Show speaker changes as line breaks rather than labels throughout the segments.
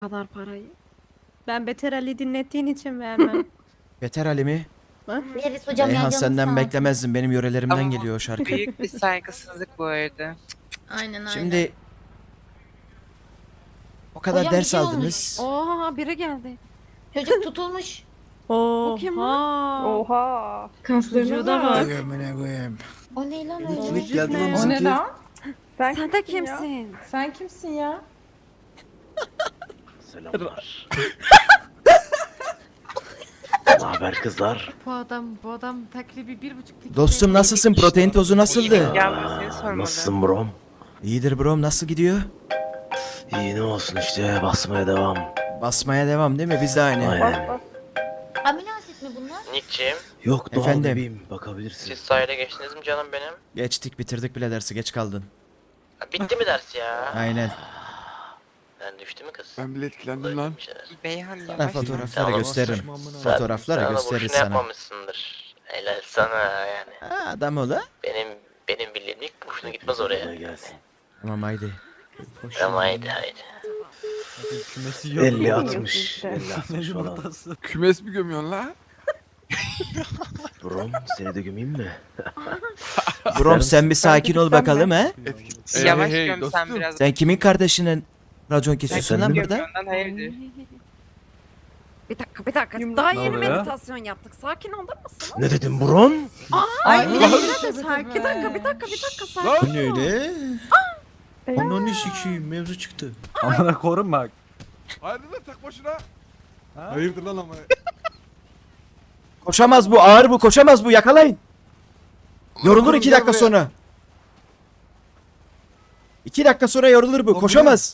kadar parayı. Ben Beter Ali dinlettiğin için vermem.
Beter Ali mi?
Veririz hocam ya,
Reyhan
canınız
senden
sağ olsun.
beklemezdim. Benim yörelerimden
Ama
geliyor o şarkı.
büyük bir saygısızlık bu arada.
Aynen.
Şimdi o kadar
Hocam bir
ders
şey
aldınız.
Oha biri geldi.
Çocuk tutulmuş.
O kim lan?
Oha.
Vücuda bak.
O ne lan öyle?
Vücut ne?
O ne lan?
Sen de
kimsin ya?
kimsin?
Sen kimsin ya?
Selamlar. Ne haber kızlar?
Bu adam takribi 1,5 dakika.
Dostum nasılsın? Protein tozu nasıldı?
Yalnız seni sormalı.
Nasılsın brom?
İyidir brom. Nasıl gidiyor?
İyi ne olsun işte basmaya devam.
Basmaya devam değil mi? Biz de aynı.
Aynen.
Amino asit mi bunlar?
Nick'ciğim,
Yok doğal
Efendim?
bebeğim bakabilirsin.
siz sahile geçtiniz mi canım benim?
Geçtik bitirdik bile dersi. Geç kaldın.
Ha, bitti mi ders ya?
Aynen.
Ben düştü mü kız?
Ben bile etkilendim lan.
Bir şeyler.
Beyhan
Sana
yavaş.
fotoğrafları
Tamam.
gösteririm.
Sen-
Fotoğrafları
sen de
gösteririz
boşuna
sana.
yapmamışsındır. Helal sana yani.
Ha, adam o da.
Benim bildiğim ilk boşuna gitmez oraya.
Kolay gelsin.
Tamam haydi.
Tamam haydi haydi.
50 60 50 60 falan.
Kümes mi gömüyorsun la?
Brom seni de gömeyim mi?
Brom sen bir sakin ol bakalım he.
Yavaş
Hey,
göm sen
dostum.
biraz.
Sen kimin kardeşinin racon kesiyorsun
Sen
lan
mi?
burada?
Gömüyordan hayırdır?
Bir dakika.
Yumruk
Daha
ne
yeni
oluyor?
meditasyon yaptık. Sakin olur musun?
Ne dedim Brom?
Ay
Ay,
yine de
tabii,
sakin.
tabii.
Bir dakika sakin.
Lan!
Bu ne öyle?
Eyvah.
sikiyim mevzu çıktı.
Amına korun bak.
Hayırdır lan tak başına? Hayırdır lan ama.
Koşamaz bu ağır bu koşamaz bu yakalayın. Yorulur 2 dakika sonra. 2 dakika sonra yorulur bu koşamaz.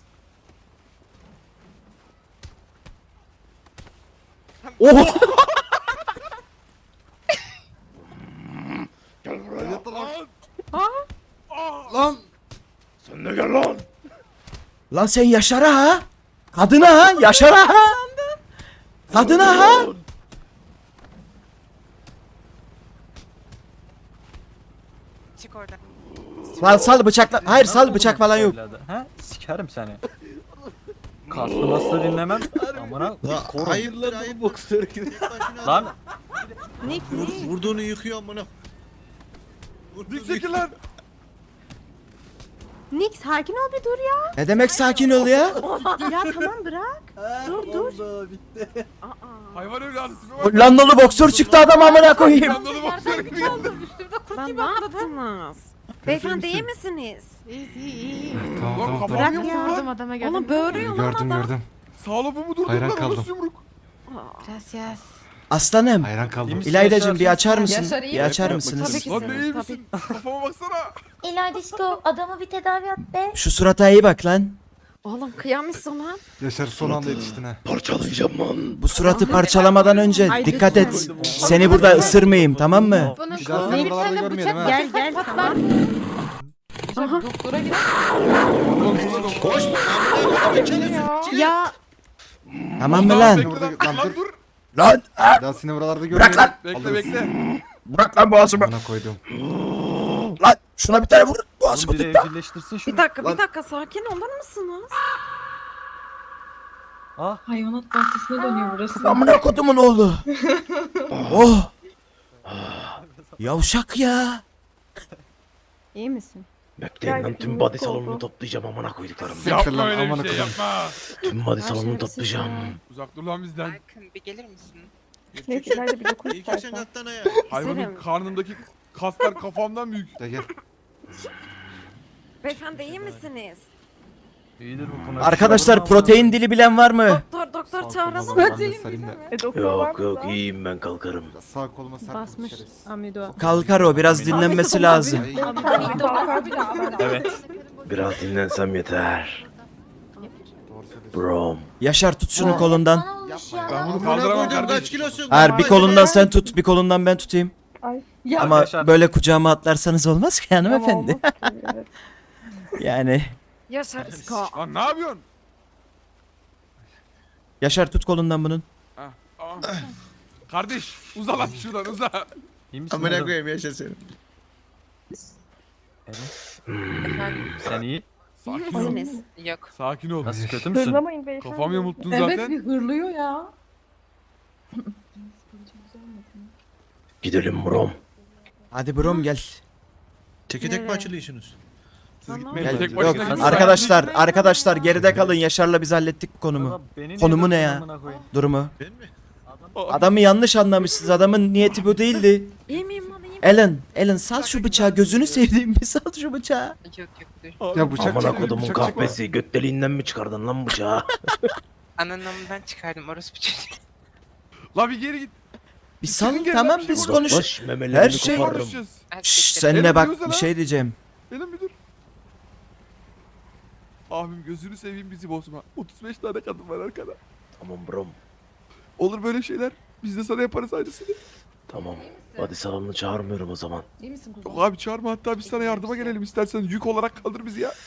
Oh!
Hayırdır lan?
Lan! Sen de gel lan!
Lan sen Yaşar'a ha? Kadına ha? Yaşar'a ha? Kadına ha?
Çık oradan.
Sal bıçakla. Hayır sal bıçak falan yok.
Ha? Sikerim seni. Kaslı maslı dinlemem. Amına korun.
Hayırdır hayır boksör gibi.
Lan
Nick.
Vurduğunu yıkıyor amına.
Dik çekil lan.
Nick sakin ol bir dur ya.
Ne demek sakin ol ya?
Ya tamam bırak. Dur.
Hayvan evladı tipe bak.
Hollandalı boksör çıktı adam amına koyayım.
Yandalı boksör gibi geldi.
Lan ne yaptınız? Beyefendi iyi misiniz?
İyi.
Lan kafam
Bırak
yumruk
ya.
lan.
Gördüm adama gördüm.
Oğlum böğürüyor lan adam.
Sağla bu mu durdun
Hayran
lan?
kaldım.
Nasıl yumruk?
Gracias.
Aslanım.
Hayran kaldım.
iyi misin
İlaydacığım
Yaşar?
bir açar mısın?
Yaşar iyi
Bir açar
misin?
mısınız?
Tabii ki.
Lan ne iyi
Tabii.
misin? Kafama baksana.
İlayda Disko adamı bir tedavi et be.
Şu surata iyi bak lan.
Oğlum kıyamışsın lan.
Yaşar son anda yetiştin ha.
Parçalayacağım lan.
Bu suratı parçalamadan önce
Ay,
dikkat
lütfen.
et. Seni burada ısırmayayım tamam mı?
Bunu
Bir daha seni buralarda görmeyelim ha.
Gel tamam. Aha.
Doktora gidip
Koş!
Ya
Tamam mı lan?
Bekle lan. Lan dur.
Lan
Bir daha seni buralarda görmeyelim.
lan!
Bekle bekle.
bırak lan boğazımı.
Bana koydum.
Lan şuna bir tane vur. Boğazımı
Oğlum biri
tut lan.
evcilleştirsin şunu.
bir dakika sakin olur musunuz?
Ah
hayvanat bahçesine dönüyor burası.
Amına kodumun oğlu. Oh. Yavşak ya.
İyi misin?
Bekleyin lan tüm body salonunu toplayacağım amına koyduklarım.
Yapma
lan,
öyle
amına
bir şey
koyayım.
yapma.
Tüm body salonunu
şerefsiz
toplayacağım.
Uzak dur lan bizden.
Arkın bir gelir misin?
Neyse İlayda bir dokun istersen.
Hayvanın
Güzelim.
karnındaki kaslar kafamdan büyük.
Gel gel.
Beyefendi iyi misiniz?
iyidir bu konu.
Arkadaşlar protein dili bilen var mı?
Doktor çağıralım.
Sarayım da.
Doktor var
Yok
mı
yok
da?
iyiyim ben kalkarım.
Sağ koluma sarkın
Basmış
şerefsiz.
Amido.
Kalkar o biraz dinlenmesi lazım.
Ay,
Kalkar bir daha.
Evet.
Biraz dinlensem yeter.
doğru söylüyorsun.
Brom.
Yaşar tut şunu kolundan.
Bana olmuş ya.
Ben bunu kaldıramam kardeşim.
Hayır bir kolundan sen tut bir kolundan ben tutayım.
Ay. Ya.
Ama
Yaşar.
böyle kucağıma atlarsanız olmaz ki hanımefendi.
Ama olmaz ki, evet.
Yani
Yaşar Isko.
Lan ne yapıyorsun?
Yaşar tut kolundan bunun.
Kardeş uza lan şuradan uza.
İyi misin? oğlum?
yaşa seni.
Sen iyi.
Sakin ol.
misiniz?
Yok.
Sakin ol.
Nasıl kötü müsün?
Hırlamayın beyefendi.
Kafam yamulttun
Evet
zaten.
bir hırlıyor ya.
Gidelim brom.
Hadi brom gel.
Teke tek mi
açılıyorsunuz?
Gel.
Tek
Yok
başına gitme.
arkadaşlar geride kalın. Yaşar'la biz hallettik bu konumu.
Valla beni niye
Konumu ne
dövdün
ya?
amına koyayım?
Durumu.
Ben mi?
Adamı yanlış anlamışsınız. Adamın niyeti bu değildi.
İyi miyim lan iyiyim?
Alan sal şu bıçağı. Gözünü sevdiğim bir sal şu bıçağı.
Yok dur.
Ya bıçak
Amına
çıkıyor,
kodumun
bıçak çıkma.
kahvesi. Göt deliğinden mi çıkardın lan bıçağı?
Ananamından çıkardım orospu çocuğu.
La bir geri git.
Bir sal
Çıkın gel
tamam
lan, bir
biz
şey
konuş.
Uzaklaş, memelerini
Her şey-
koparırım.
Konuşacağız.
Şşş
Erkekler-
seninle
Elim
bak
diyorsa
bir
lan.
şey diyeceğim.
Benim bir dur. Abim gözünü seveyim bizi bozma. 35 tane kadın var arkada.
Tamam brom.
Olur böyle şeyler. Biz de sana yaparız aynısını.
Tamam. Body salonunu çağırmıyorum o zaman.
İyi misin kuzum?
Yok abi çağırma, hatta biz sana yardıma gelelim istersen. Yük olarak kaldır bizi ya.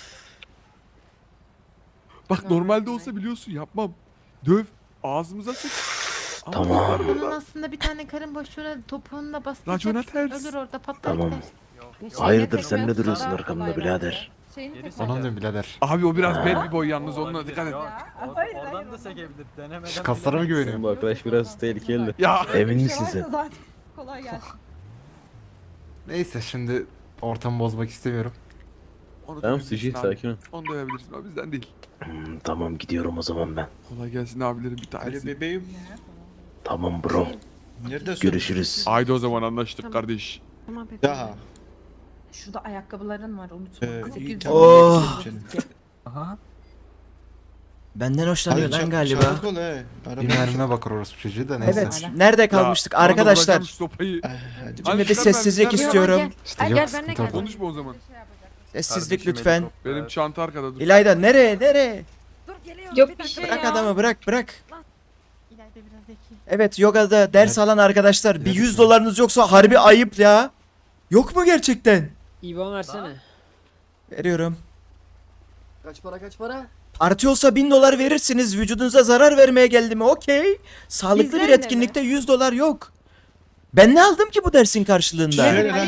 Bak normalde olsa biliyorsun yapmam. Döv. Ağzımıza sık. Ama
Tamam.
bunlar
Bunun
burada.
aslında bir tane karın boşluğuna topuğunla
Racona
bastıracaksın.
ters.
Ölür orada patlar
Tamam.
gider.
Hayırdır sen ne duruyorsun arkamda birader?
Şeyini tek
Ona diyorum birader.
Abi o biraz bel bir boy yalnız, onunla
Olabilir,
dikkat et.
yok.
Hayır,
Oradan
hayır,
da
olmaz.
sekebilir. Denemeden
Şu kaslara mı
bilemezsin.
güveniyorsun?
Bu arkadaş biraz tehlikeli.
Ya
Emin misin sen?
Zaten kolay gelsin.
Neyse şimdi ortamı bozmak istemiyorum.
onu
Tamam
dövebilirsin
Suji
abi.
sakin ol.
Onu dövebilirsin, o bizden değil.
Tamam gidiyorum o zaman ben.
Kolay gelsin abilerim bir tanesi.
bebeğim.
Tamam bro.
Neredesin?
Görüşürüz.
Haydi o zaman anlaştık
Tamam.
kardeş.
Tamam bebeğim.
Şurada ayakkabıların var unutma. 800
Oh.
Aha.
Benden hoşlanıyor lan galiba.
Bir mermime bakar orası çocuğu da neyse.
Evet. Nerede kalmıştık
Ya, bana
arkadaşlar?
bırakalım şu sopayı.
Şimdi bir
çıkar
sessizlik
mermiden.
istiyorum.
İşte
Ay,
yok
gel,
sıkıntı
benimle
orada.
gel.
Konuşma o zaman.
Sessizlik
Kardeşim
lütfen.
helikopter.
Benim çanta arkada dur.
İlayda nereye?
Dur geliyorum.
Yok
bir
bir
dakika.
şey
Bırak
ya.
adamı bırak.
İleride biraz zeki.
Evet yogada ders alan arkadaşlar bir 100 dolarınız yoksa harbi ayıp ya. Yok mu gerçekten?
İvan versene.
Veriyorum.
Kaç para?
Parti olsa 1000 dolar verirsiniz. Vücudunuza zarar vermeye geldi mi? Okey. Sağlıklı bir
Bizlerle
etkinlikte 100 dolar yok. Ben ne aldım ki bu dersin karşılığında?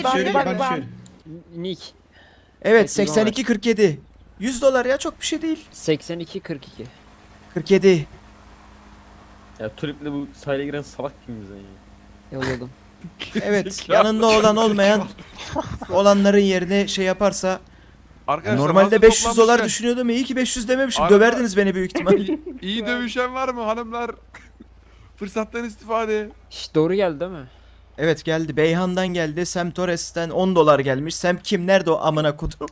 Nick.
Evet 82.47. 100 dolar ya çok bir şey değil.
82-42.
47.
Ya Tulip'le bu sahile giren salak kim bizden ya?
Yolladım.
Evet yanında olan olmayan olanların yerine şey yaparsa
Arkadaşlar,
normalde
hazır
500 dolar
toplanmışken
düşünüyordum. İyi ki 500 dememişim.
Arada-
Döverdiniz beni büyük ihtimal.
İyi dövüşen var mı hanımlar? Fırsattan istifade.
Şş, doğru geldi değil mi?
Evet geldi. Beyhan'dan geldi. Sam Torres'ten 10 dolar gelmiş. Sam kim? Nerede o amına kodum?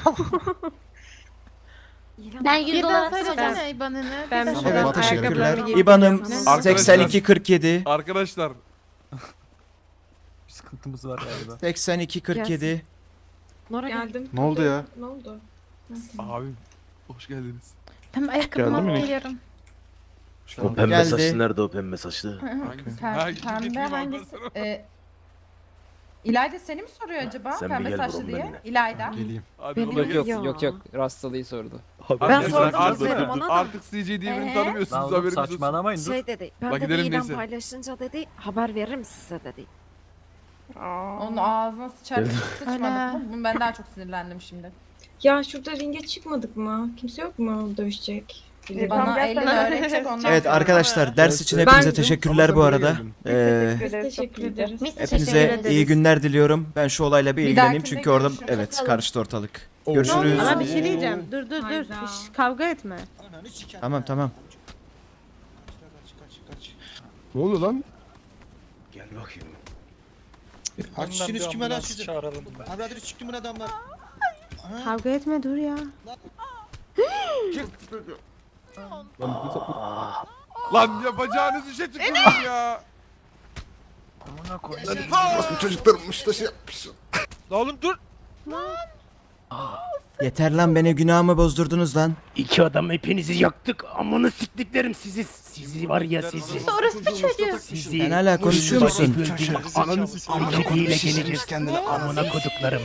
Ben 100
Bir daha
dolar
söylesene IBAN'ını.
Ben
Bir
bir
daha-
Evet
Bak,
teşekkürler.
ayakkabılarımı
İban'ım
giyip
Arkadaşlar-
82.47.
Arkadaşlar
Bir sıkıntımız var galiba.
82.47.
Nora geldim.
Ne oldu ya?
Ne oldu?
abim hoş geldiniz.
Tamam ayakkabımı alıp geliyorum.
O pembe
Geldi.
saçlı nerede o pembe saçlı?
Hangisi? Ha, gidip
Pembe
getireyim
hangisi?
ondan sonra.
İlayda seni mi soruyor acaba?
Sen bir
Pembe
gel
saçlı
bro,
diye.
benimle.
İlayda.
Geleyim.
Hadi
Benim-
kolay gelsin.
Ya.
Rastalığı sordu.
Ben
Arkadaşlar,
sordum dedim ona da.
Artık CJ diye birini tanımıyorsunuz,
Lan oğlum
haberiniz olsun.
saçmalamayın dur.
Şey dedi. Ben
Bak
dedi
gidelim
ilan
neyse.
paylaşınca dedi haber veririm size dedi.
Onun ağzına sıçar sıçmadık
Ana.
mı? Ben daha çok sinirlendim şimdi. Ya şurada ringe çıkmadık mı? Kimse yok mu dövüşecek?
Tamam,
Bana elini öğretecek ondan
Evet
sonra.
arkadaşlar ders için hepinize
Ben-
teşekkürler bu arada.
Biz teşekkür ederiz.
Biz teşekkür
Hepinize
ederiz.
iyi günler diliyorum. Ben şu olayla bir
Bir
ilgileneyim
dahakinde
çünkü orada
görüşürüz.
evet
Bakalım.
karıştı ortalık. Görüşürüz.
Ama bir şey diyeceğim. Dur.
Hayda.
Kavga etme.
Tamam.
Ne oluyor lan?
Gel bakayım.
Açışınız kime lan sizin? Abi hadi çıktı bu adamlar.
Kavga etme dur ya.
Lan yapacağınız işe tükürün ya.
Amına koyayım.
Bu çocuklarmış da şey yapmış.
Oğlum dur.
Yeter lan beni günahımı bozdurdunuz lan.
İki adam hepinizi yaktık. Amına siktiklerim sizi. Sizi var ya sizi.
Orası bir çocuğu.
Sizi.
Sen hala konuşuyor musun?
Ananı siktiğiyle geleceğiz kendine. Amına koduklarım.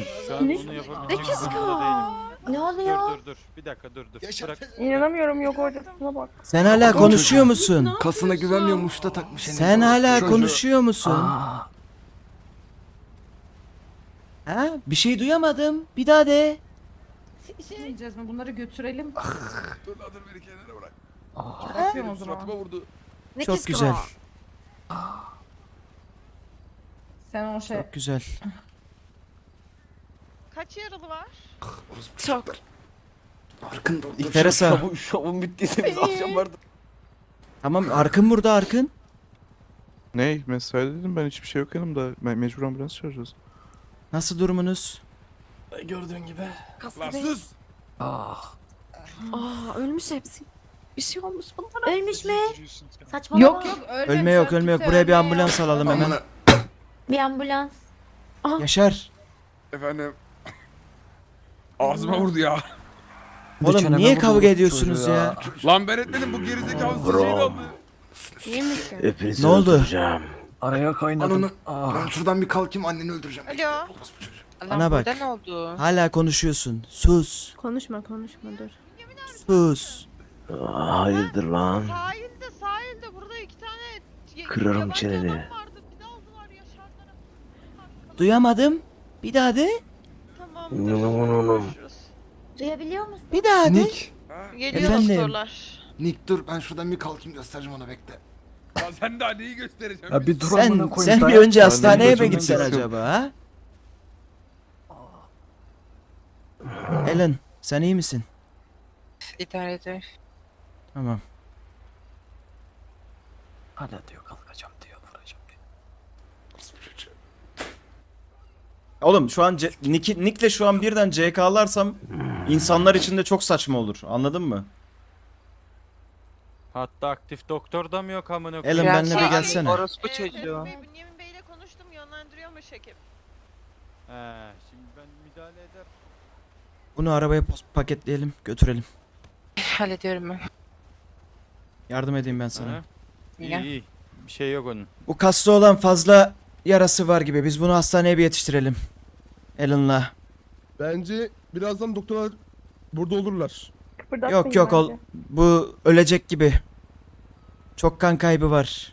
Ne oluyor?
Dur. Bir dakika dur.
İnanamıyorum yok ortasına bak.
Sen hala konuşuyor musun?
Kasına güvenmiyormuş da takmış.
Sen hala konuşuyor musun? Ha? Bir şey duyamadım. Bir daha de.
Yiyeceğiz mi? Bunları götürelim.
Dur lan dur beni kenara bırak.
Bırakıyorum o
Benim
zaman.
suratıma vurdu.
Ne
Çok
kiskro?
güzel.
Sen o şey...
Çok güzel.
Kaç yaralı var?
Çok.
Teresa.
Şovun bittiyse biz akşam vardı.
Tamam Arkın burada Arkın.
Ne? Mesai dedim ben hiçbir şey yok yanımda. Mecbur ambulans çağıracağız.
Nasıl durumunuz?
Gördüğün gibi.
Lan sus!
Ah.
Aa ölmüş hepsi. Bir şey olmuş bunlara.
Ölmüş mü? Saçmalama.
Yok yok
Ölme yok ölme yok. Buraya bir ambulans alalım hemen.
Bir ambulans.
Yaşar.
Efendim. Ağzıma vurdu ya.
Oğlum niye kavga ediyorsunuz ya?
Lan ben etmedim bu gerizekalı sıçrayı aldı.
İyi misin?
Hepinizi
Ne oldu?
öldüreceğim.
Araya kaynadım.
Ben şuradan bir kalkayım anneni öldüreceğim.
Alo.
Allah
Bana bak.
burada ne oldu?
Hala konuşuyorsun. Sus.
Konuşma dur.
Sus.
Hayırdır lan?
Sahilde burada 2 tane
Kırarım
yabancı
çeneni.
adam vardı. Bir de aldılar Yaşar'dan.
Duyamadım. Bir daha de.
Tamam.
Duyabiliyor musun?
Bir daha de.
Nick.
Geliyor
Efendim?
doktorlar.
Nick dur ben şuradan bir kalkayım göstereceğim ona bekle.
Lan sen daha neyi göstereceksin?
Ya bir dur amına
Sen
koyayım.
bir önce
Ben
hastaneye
de
mi
çok
gitsen
istiyorum.
acaba ha? Ellen sen iyi misin?
İdare eder.
Tamam.
Hala diyor kalkacağım diyor vuracağım diyor.
Oğlum şu an Nick'le şu an birden CK'larsam insanlar için de çok saçma olur. Anladın mı?
Hatta aktif doktor da mı yok amına
Ellen benimle bir gelsene.
Orospu çocuğu.
Bünyamin Bey'le konuştum yönlendiriyormuş ekip.
He, şimdi ben müdahale eder.
Bunu arabaya paketleyelim götürelim.
Hallediyorum ben.
Yardım edeyim ben sana.
Hı? İyi
Ya.
iyi. Bir şey yok onun.
Bu kaslı olan fazla yarası var gibi. Biz bunu hastaneye bir yetiştirelim. Ellen'la.
Bence birazdan doktorlar burada olurlar.
Yok yok bu ölecek gibi. Çok kan kaybı var.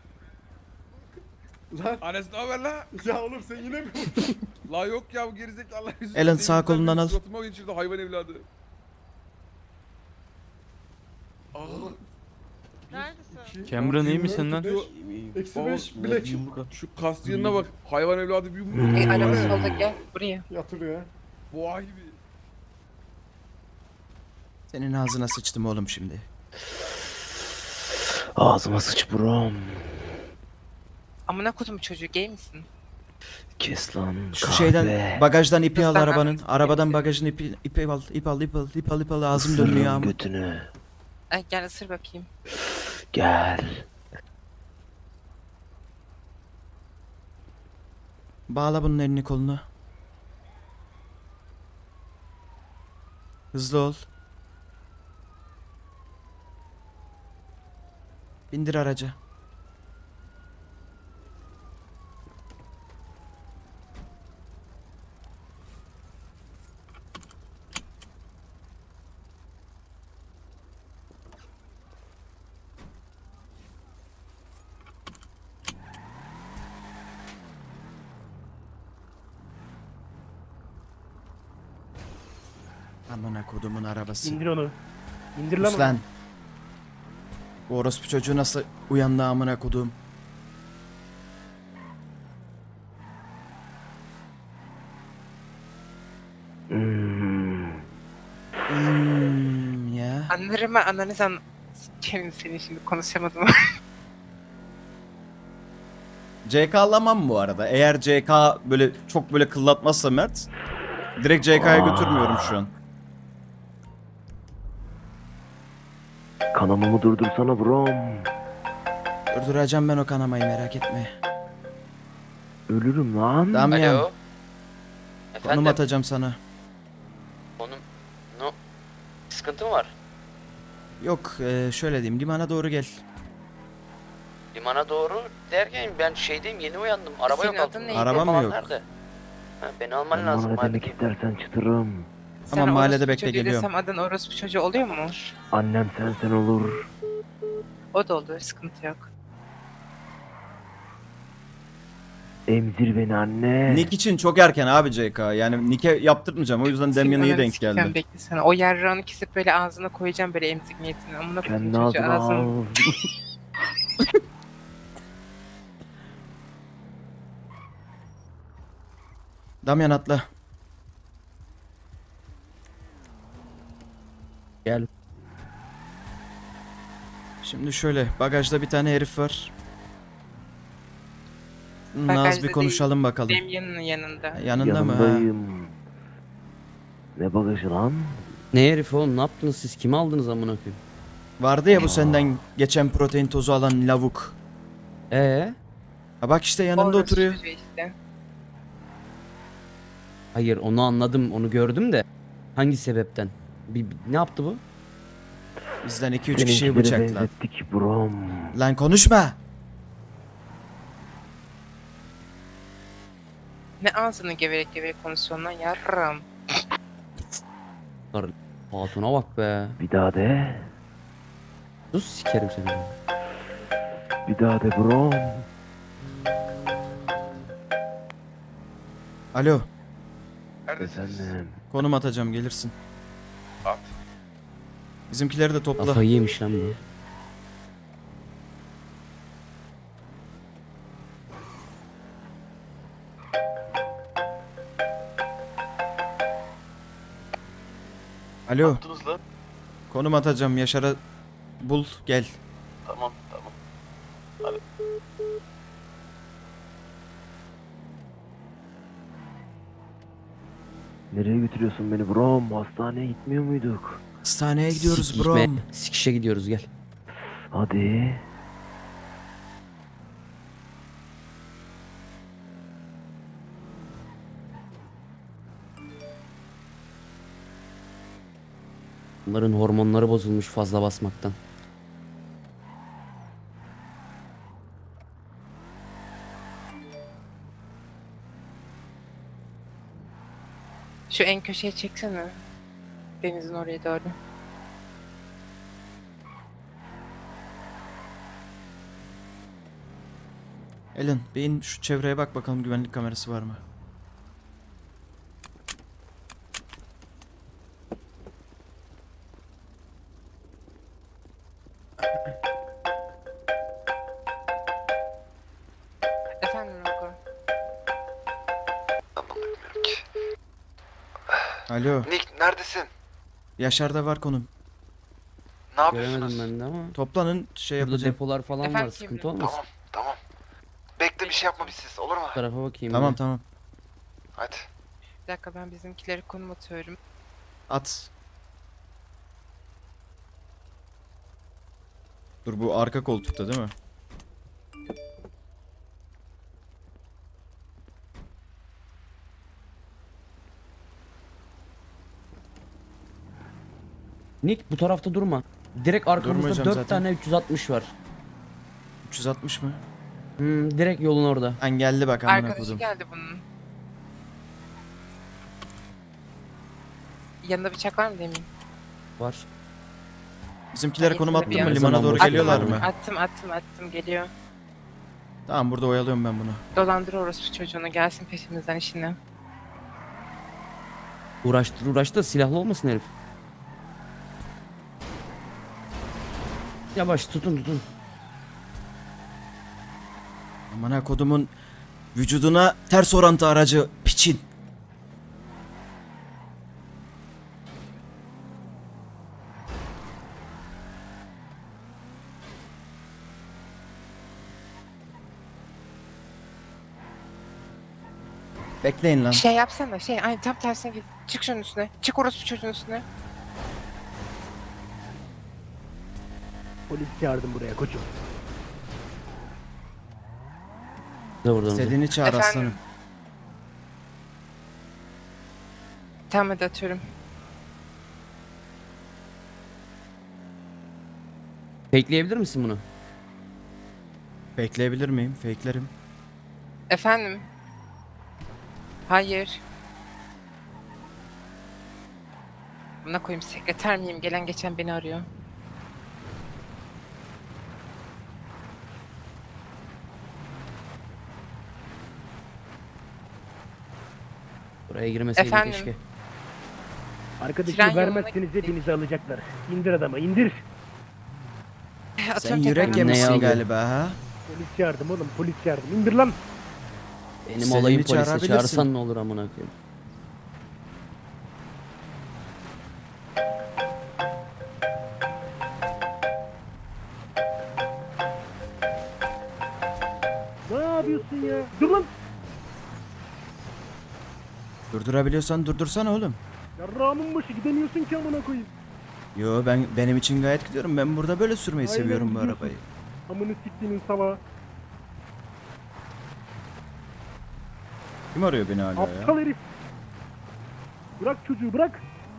Ares ne haber la? Ya oğlum sen yine mi? La yok ya bu gerizekalı.
Ellen, sağ kolundan al.
Suratıma geçirdi hayvan evladı. Aa,
Neredesin?
Cameron iyi misin lan?
Eksi 5 bilek. Şu kas yanına bak. Hayvan evladı bir yumruk.
Araba solda gel buraya.
Boğa gibi.
Senin ağzına sıçtım oğlum şimdi.
Ağzıma sıç buram.
Amına kodum çocuğu gay misin?
Kes lan.
Şu
kahve.
şeyden bagajdan ipi al
Kızdan
arabanın.
anlatayım.
Arabadan bagajın ipi al ağzım dönüyor
Isırırım
ama.
götünü.
Ay gel ısır bakayım.
Gel.
Bağla bunun elini kolunu. Hızlı ol. Bindir araca. Amına kodumun arabası.
İndir onu. İndir lan.
Sus lan. Bu orospu çocuğu nasıl uyandı amına kodum. Ya.
Anlarım ben ananı sen. Sikerim seni şimdi konuşamadım.
CK'lamam bu arada. Eğer CK böyle çok böyle kıllatmazsa Mert direkt CK'ya götürmüyorum şu an.
Kanamamı durdursana buram.
Durduracağım ben o kanamayı merak etme.
Ölürüm lan.
Damyan
Alo.
konum atacağım sana.
Onun no sıkıntı mı var?
Yok şöyle diyeyim limana doğru gel.
Limana doğru derken ben şeydeyim yeni uyandım. Araba
Senin
yok
adın
altında.
neydi?
Araba mı
Falan
yok?
Nerede? Ha, beni alman lazım.
Bana
Hadi.
demek istersen çıtırım.
Tamam,
Sen
mahallede
orospu
bekle,
çocuğu
geliyorum.
desem adın orospu çocuğu oluyor mu?
Annem sensen olur.
O da olur sıkıntı yok.
Emzir beni anne.
Nick için çok erken abi JK. Yani Nick'e yaptırmayacağım. O yüzden Damian iyi
Senin
denk
sikeceğim,
geldi.
beklesene. O yarrağını kesip böyle ağzına koyacağım böyle emzik niyetine. Amına koyayım
Kendi
çocuğu
ağzına
ağzına.
al.
Damian atla.
Gel.
Şimdi şöyle bagajda bir tane herif var.
Bagajda
Naz bir konuşalım bakalım.
Damian'ın yanında.
Yanında mı? Ha?
Yanındayım. Ne bagajı lan?
Ne herif oğlum, ne yaptınız siz? Kimi aldınız amına koyayım?
Vardı ya bu senden geçen protein tozu alan lavuk. Ha bak işte yanında
Orası
oturuyor.
çocuğu işte.
Hayır, onu anladım, onu gördüm de. Hangi sebepten? Ne yaptı bu?
Bizden 2-3 kişiyi
Benimkileri
bıçakladı.
benzettik brom.
Lan konuşma.
Ne ağzını geverek geverek konuşuyorsun lan yarram.
Hatuna bak be.
Bir daha de.
Sus, sikerim seni.
Bir daha de brom.
Alo.
Efendim.
Konum atacağım gelirsin.
At.
Bizimkileri de topla.
Kafayı yemiş lan bu.
Alo.
Attınız lan.
Konum atacağım. Yaşar'a bul gel.
Tamam tamam.
Nereye götürüyorsun beni brom? Hastaneye gitmiyor muyduk?
Hastaneye gidiyoruz
Sikişme,
bro.
Sikişe gidiyoruz, gel.
Hadi.
Bunların hormonları bozulmuş fazla basmaktan.
Şu en köşeye çeksene. Denizin oraya doğru.
Ellen beyin şu çevreye bak bakalım güvenlik kamerası var mı?
Efendim Rogo.
Anlamıyorum ki.
Alo.
Nick neredesin?
Yaşar'da var konum.
Ne yapıyorsunuz?
Göremedim ben de ama.
Toplanın şey
Burada
yapacağım.
depolar falan var,
Efendim,
sıkıntı
Emre?
olmasın.
Tamam tamam. Bekle bir şey yapma biz siz olur mu?
Bu tarafa bakayım.
Tamam
bir.
tamam.
Hadi.
Bir dakika ben bizimkileri konum atıyorum.
At. Dur bu arka koltukta değil mi?
Nick bu tarafta durma. Direkt arkamızda
Durmayacağım
4
zaten.
tane 360 var.
360 mı?
Direkt yolun orada.
Engelli bak amına
Arkadaşı
kodum.
geldi bunun. Yanında bıçak var mı demeyeyim?
Var.
Bizimkilere konum attın mı?
Her
Limana
zaman
doğru
boş
geliyorlar
ver.
mı?
Attım geliyor.
Tamam burada oyalıyorum ben bunu.
Dolandır orospu çocuğunu gelsin peşimizden işine.
Uğraştır da silahlı olmasın herif. Yavaş tutun.
Amına kodumun vücuduna ters orantı aracı piçin. Bekleyin lan.
Şey yapsana ay tam tersine git. Çık şunun üstüne. Çık orospu çocuğun üstüne.
Polis çağırdım buraya koçum.
Buradan.
İstediğini çağır
Efendim?
aslanım.
Tamam hadi atıyorum.
Fakeleyebilir misin bunu?
Bekleyebilir miyim? Fake'lerim.
Efendim? Hayır. Buna koyayım sekreter miyim? Gelen geçen beni arıyor.
Buraya girmeseydin
Efendim?
keşke.
Tren
Arkadaşını
yoluna
vermezseniz
gittik.
hepinizi alacaklar. İndir adamı indir.
Sen
Atıyorum
yürek
tekrar.
yemişsin
Ne
galiba ha?
Polis çağırdım oğlum polis çağırdım. İndir lan. Benim
Seni
olayım
bir
polise
çağırabilirsin.
çağırsan ne olur amına koyayım. Ne yapıyorsun ya? Dur lan.
Durdurabiliyorsan durdursana oğlum.
Yarrağımın başı gidemiyorsun ki amına koyayım.
Yo benim için gayet gidiyorum. Ben burada böyle sürmeyi
Aynen,
seviyorum bu
gidiyorsun.
arabayı.
Amını siktiğinin salağı.
Kim arıyor beni hala ya?
Aptal herif. Bırak çocuğu bırak.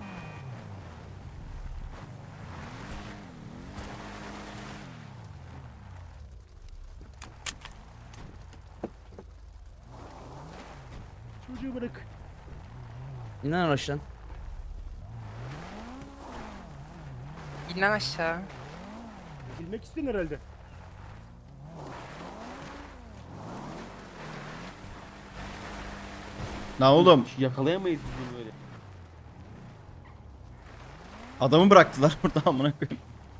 Çocuğu bırak.
İn lan araçtan.
İn lan aşağı.
Bilmek istedin herhalde.
Ne oğlum?
Yakalayamayız bunu böyle.
Adamı bıraktılar burada amına koyayım.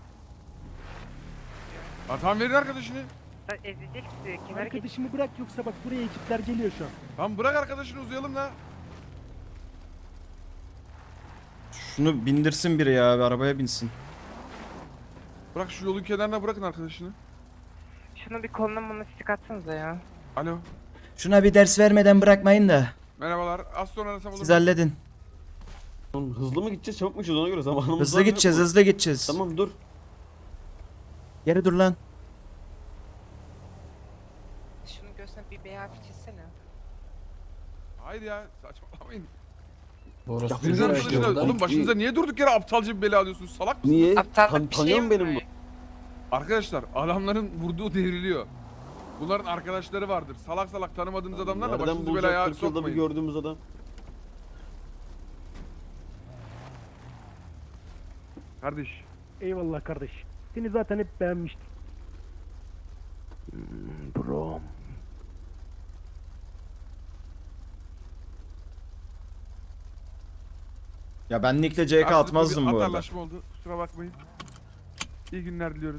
Tamam verin arkadaşını.
Ezecek bizi. Kenara geç.
Arkadaşımı bırak yoksa bak buraya ekipler geliyor şu an.
Tamam bırak arkadaşını uzayalım da.
Şunu bindirsin biri ya, bir arabaya binsin.
Bırak şu yolun kenarına bırakın arkadaşını.
Şunu bir koluna bana stik atsanıza ya.
Alo.
Şuna bir ders vermeden bırakmayın da.
Merhabalar. Az sonra arasam olur
Siz
mu?
halledin.
Hızlı mı gideceğiz çabuk mu gideceğiz ona göre zamanımız
Hızlı gideceğiz, hızlı gideceğiz.
Tamam dur.
Geri dur lan.
Şunu göğsüne bir beyaz çizsene.
Haydi ya saçmalamayın.
Orası
Sizin arkadaşınız- Oğlum başınıza niye durduk yere aptalca bir bela alıyorsunuz? Salak mısınız?
Niye?
Aptallık bir şey
Tanıyor
mi
benim bu?
bu?
Arkadaşlar adamların vurduğu devriliyor. Bunların arkadaşları vardır. Salak salak tanımadığınız adamlarla
Nereden
başınızı
bulacak
belaya
40 yılda bir
sokmayın.
gördüğümüz adam?
Kardeş.
Eyvallah kardeş. Seni zaten hep beğenmiştim. Bro.
Ya ben Nick'le CK
Aslında
atmazdım
bir
bu arada.
atarlaşma oldu. Kusura bakmayın. İyi günler diliyoruz.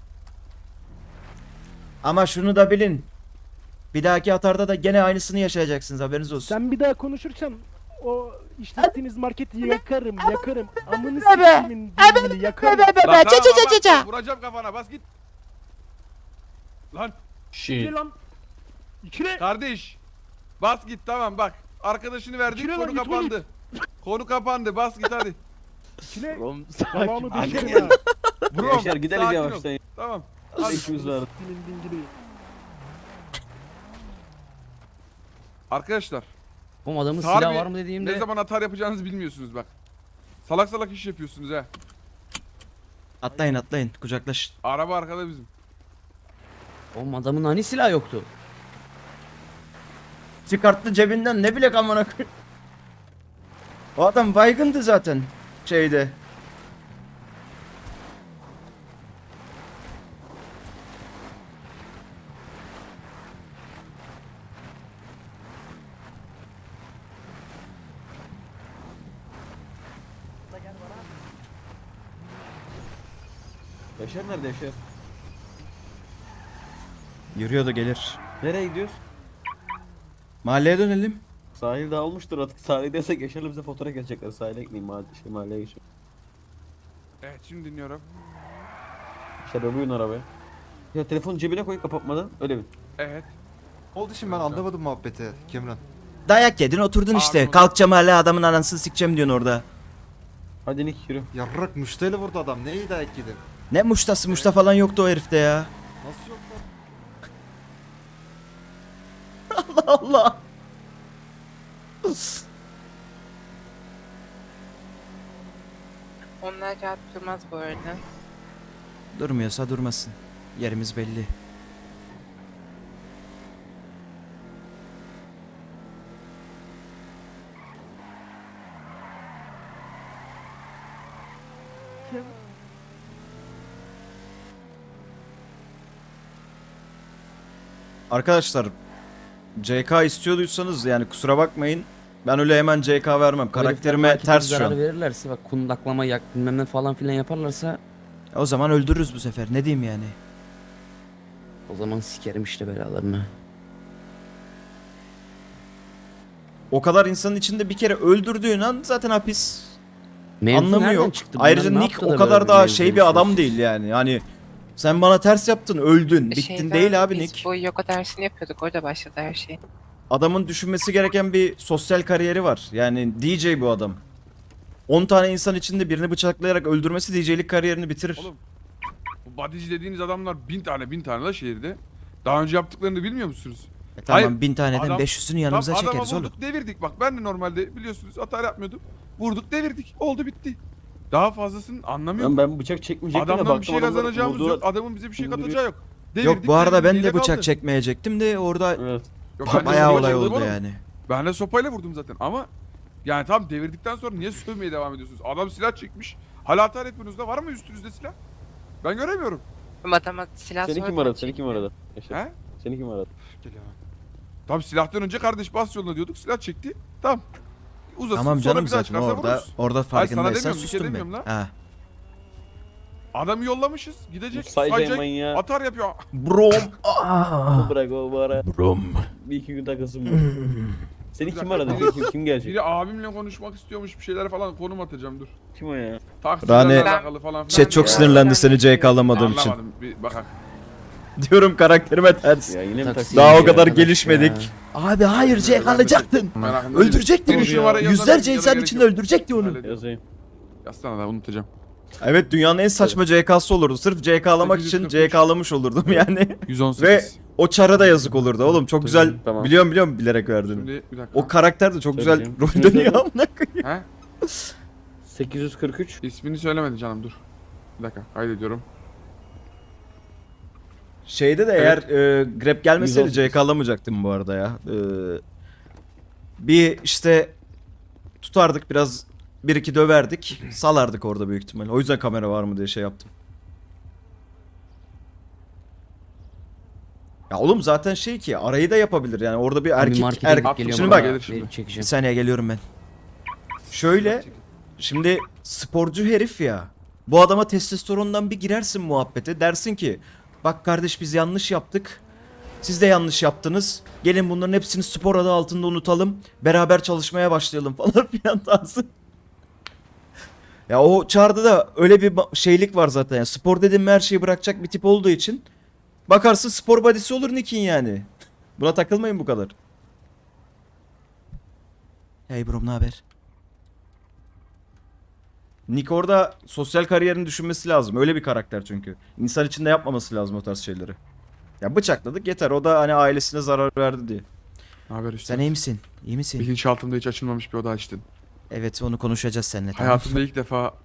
Ama şunu da bilin. Bir dahaki atarda da gene aynısını yaşayacaksınız, haberiniz olsun.
Sen bir daha konuşursan o işlettiğiniz marketi yakarım yakarım. Amını siktimin dilini yakarım.
Lan tamam, vuracağım kafana bas git. Lan
İkile lan. İkile.
kardeş. Bas git tamam bak. Arkadaşını verdik
İkile lan,
konu
git
kapandı. Konu kapandı bas git hadi.
İkile.
Oğlum
Yalanı
sakin.
değiştirin ha.
Bro
Yaşar gidelim
sakin ol.
yavaştan.
Tamam.
Hadi
Hadi.
işimiz var.
Dilin dingili.
Arkadaşlar
Oğlum adamın
Harbi,
silahı var mı dediğimde.
ne zaman atar yapacağınızı bilmiyorsunuz bak. Salak salak iş yapıyorsunuz ha.
Atlayın atlayın, kucaklaşın.
Araba arkada bizim.
Oğlum adamın hani silahı yoktu?
Çıkarttı cebinden, ne bilek amına koyayım. O adam baygındı zaten şeyde.
Yaşar nerede Yaşar?
Yürüyor da gelir.
Nereye gidiyoruz?
Mahalleye dönelim.
Sahil dağılmıştır artık. Sahile desek Yaşar'la bize fotoğraf gelecekler. Sahile gideyim mahalleye geçeyim.
Evet şimdi dinliyorum.
Yaşar övüyün arabaya. Ya telefonu cebine koy kapatmadan öyle bin.
Evet.
Oldu şimdi ben anlamadım muhabbeti Kemran.
Dayak yedin oturdun işte.
Abi,
Kalkacağım hala adamın anasını sikeceğim diyorsun orada.
Hadi Nick yürü.
Yarrak müşteri vurdu adam. Neyi dayak yedin?
Ne muştası muşta falan yoktu o herifte ya.
Nasıl yok lan?
Allah Allah.
Onlar rahat durmaz bu arada.
Durmuyorsa durmasın. Yerimiz belli. Arkadaşlar CK istiyorduysanız yani kusura bakmayın. Ben öyle hemen CK vermem. Karakterime ters şu an.
verirlerse bak kundaklama yak bilmem ne falan filan yaparlarsa
O zaman öldürürüz bu sefer. Ne diyeyim yani?
o zaman sikerim işte belalarını.
O kadar insanın içinde bir kere öldürdüğün an zaten hapis.
Mevzu
Anlamı
nereden
yok.
çıktı? Bunlar
Ayrıca
ne
Nick
yaptı
o
da
kadar
böyle
daha
mevzu
şey bir adam
oluşuyorsun?
değil yani. Hani sen bana ters yaptın, öldün. Bittin
Şeyden
değil abi
biz
Nick.
bu yoga dersini yapıyorduk. Orada başladı her şey.
Adamın düşünmesi gereken bir sosyal kariyeri var. Yani DJ bu adam. 10 tane insan içinde birini bıçaklayarak öldürmesi DJ'lik kariyerini bitirir.
Oğlum bu bodyci dediğiniz adamlar bin tane la şehirde. Daha önce yaptıklarını bilmiyor musunuz?
Tamam
hayır,
1000 taneden
adam-
500'ünü yanımıza
Tam
çekeriz
adama
oğlum.
vurduk devirdik bak ben de normalde biliyorsunuz hata yapmıyordum. Vurduk devirdik oldu bitti. Daha fazlasını anlamıyorum.
Ben bıçak çekmeyecektim
Adamdan bir şey kazanacağımız yok. Adamın bize bir şey katacağı yok.
Yok bu arada ben de
devirdik,
bıçak
kaldı.
çekmeyecektim de orada
Evet.
Yok, ben de
bayağı
sopayla
olay
vurdum
oldu
oğlum.
yani.
Ben de sopayla vurdum zaten ama yani tam devirdikten sonra niye sövmeye devam ediyorsunuz? Adam silah çekmiş. Hala hata etmiyorsunuz da var mı üstünüzde silah? Ben göremiyorum.
Ama adama silah
Seni kim
sordu.
aradı? Seni kim aradı? Yaşar.
He?
Seni kim aradı?
Tam silahtan önce kardeş bas yoluna diyorduk. Silah çekti. Tamam. Uzasın.
Tamam
sonra
canım
bir daha
zaten
çıkarsa
orada
vururuz.
orada
Hayır, sana
farkındaysan
demiyorum, bir şey
sustum ben.
demiyorum lan.
Ha.
Adamı yollamışız. Gidecek.
Sayacak
Sayacak.
manyağı.
Atar yapıyor.
Brom.
Bırak o bana.
Brom.
Bir iki gün takılsın bu. Seni kim
Bir
aradı?
dakika.
Kim gelecek?
Biri abimle konuşmak istiyormuş bir şeyler falan konum atacağım dur.
Kim o ya?
Taksiyle
Rane-
alakalı falan filan.
Chat çok
Ya.
sinirlendi seni CK alamadığım için.
Anlamadım. Bir bakak.
Diyorum karakterime ters.
Ya yine mi taksi?
Daha o
ya
kadar
arkadaş
gelişmedik.
ya?
Abi hayır CK alacaktın.
Merakında değilim.
Öldürecektin
Bir
onu
numara
ya.
yazana
Yüzlerce
ya da
insan
gerek
içinde
yok.
öldürecekti onu.
Halledeyim.
Yazayım.
Yazsana da unutacağım.
Evet dünyanın en saçma CK'sı olurdu. Sırf CK alamak için
843.
CK alamış olurdum yani.
118.
Ve o çara da yazık olurdu oğlum. Çok güzel.
Tamam.
Biliyorum bilerek verdim.
Şimdi bir dakika.
O karakter de çok güzel
Söyleyeyim.
rol
İsmini
dönüyor
söyle.
amına koyayım.
He?
843.
İsmini söylemedi canım dur. Bir dakika kaydediyorum.
Şeyde de
Evet.
eğer grab gelmeseydi
118.
CK alamayacaktım bu arada ya. Bir işte tutardık biraz 1-2 döverdik. Salardık orada büyük ihtimalle. O yüzden kamera var mı diye şey yaptım. Ya oğlum zaten şey ki arayı da yapabilir yani orada bir erkek
markete
erkek.
gidip geliyorum
Şimdi
bana.
bak
Gelir şimdi.
Benim
bir
çekeceğim.
saniye geliyorum ben. Şöyle şimdi sporcu herif ya. Bu adama testosterondan bir girersin muhabbete. Dersin ki bak kardeş biz yanlış yaptık. Siz de yanlış yaptınız. Gelin bunların hepsini spor adı altında unutalım. Beraber çalışmaya başlayalım falan filan tarzı. Ya o çağrıda da öyle bir şeylik var zaten. Yani spor dedim her şeyi bırakacak bir tip olduğu için. Bakarsın spor body'si olur Nick'in yani. Buna takılmayın bu kadar. Hey bro ne haber? Nick orada sosyal kariyerini düşünmesi lazım. Öyle bir karakter çünkü. İnsan içinde yapmaması lazım o tarz şeyleri. Ya bıçakladık yeter. O da hani ailesine zarar verdi diye.
Ne haber Üstad?
Sen iyi misin? İyi misin?
Bilinçaltımda hiç açılmamış bir oda açtın.
Evet onu konuşacağız seninle. Tamam.
Hayatımda ilk defa